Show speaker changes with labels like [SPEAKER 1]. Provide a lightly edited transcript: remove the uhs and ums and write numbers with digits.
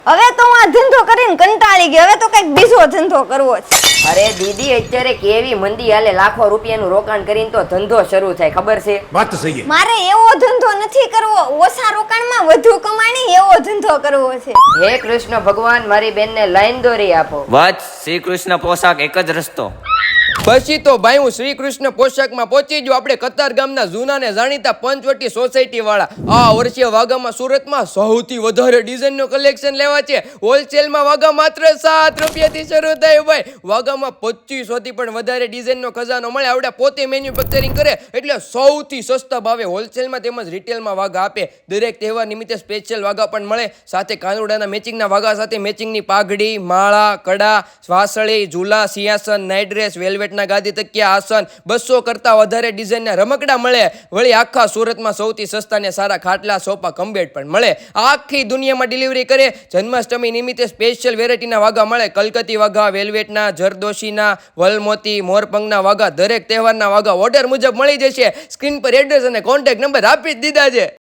[SPEAKER 1] હવે તો હું આ ધંધો કરીને કંટાળી ગઈ, હવે તો કઈક બીજો ધંધો કરવો છે.
[SPEAKER 2] અરે દીદી, અત્યારે કેવી મંદી હાલે, લાખો રૂપિયાનું રોકાણ કરીને તો ધંધો શરૂ થાય, ખબર છે?
[SPEAKER 3] વાત સહી.
[SPEAKER 1] મારે એવો ધંધો નથી કરવો, ઓછા રોકાણમાં વધુ કમાણી એવો ધંધો કરવો છે.
[SPEAKER 2] હે કૃષ્ણ ભગવાન, મારી બેનને લાઈન દોરી આપો.
[SPEAKER 4] વત્સ, શ્રી કૃષ્ણ પોશાક એક જ રસ્તો.
[SPEAKER 5] પછી તો ભાઈ હું શ્રી કૃષ્ણ પોશાકમાં પહોંચી ગયો આપણે કતાર ગામના જૂના ને જાણીતા પંચવટી સોસાયટી વાળા. આ વર્ષે વાઘામાં સુરતમાં સૌથી વધારે ડિઝાઇન નું કલેક્શન લેવા છે. હોલસેલમાં વાઘા માત્ર 7 રૂપિયાથી શરૂ થાય ભાઈ. વાઘામાં 2500 થી પણ વધારે ડિઝાઇન નો ખજાનો મળે. આવડે પોતે મેન્યુફેક્ચરિંગ કરે એટલે સૌથી સસ્તા ભાવે હોલસેલમાં તેમજ રિટેલમાં વાઘા આપે. દરેક તહેવાર નિમિત્તે સ્પેશિયલ વાઘા પણ મળે. સાથે કાનુડાના મેચિંગના વાઘા સાથે મેચિંગની પાઘડી, માળા, કડા, વાસળી, ઝૂલા, સિંહાસન, નાઇટ ડ્રેસ, વેલ્વેટના ગાદી તકિયા, આસન, 200 કરતા વધારે ડિઝાઇનના રમકડા મળે. વળી આખા સુરતમાં સૌથી સસ્તા ને સારા ખાટલા, સોફા, કમ્બેડ પણ મળે. આખી દુનિયામાં ડિલિવરી કરે. જન્માષ્ટમી નિમિત્તે સ્પેશિયલ વેરાયટીના વાઘા મળે. કલકત્તી વાઘા, વેલ્વેટના, જરદોશીના, વલમોતી, મોરપંખના વાઘા, દરેક તહેવારના વાઘા ઓર્ડર મુજબ મળી જશે. સ્ક્રીન પર એડ્રેસ અને કોન્ટેક્ટ નંબર આપી જ દીધા છે.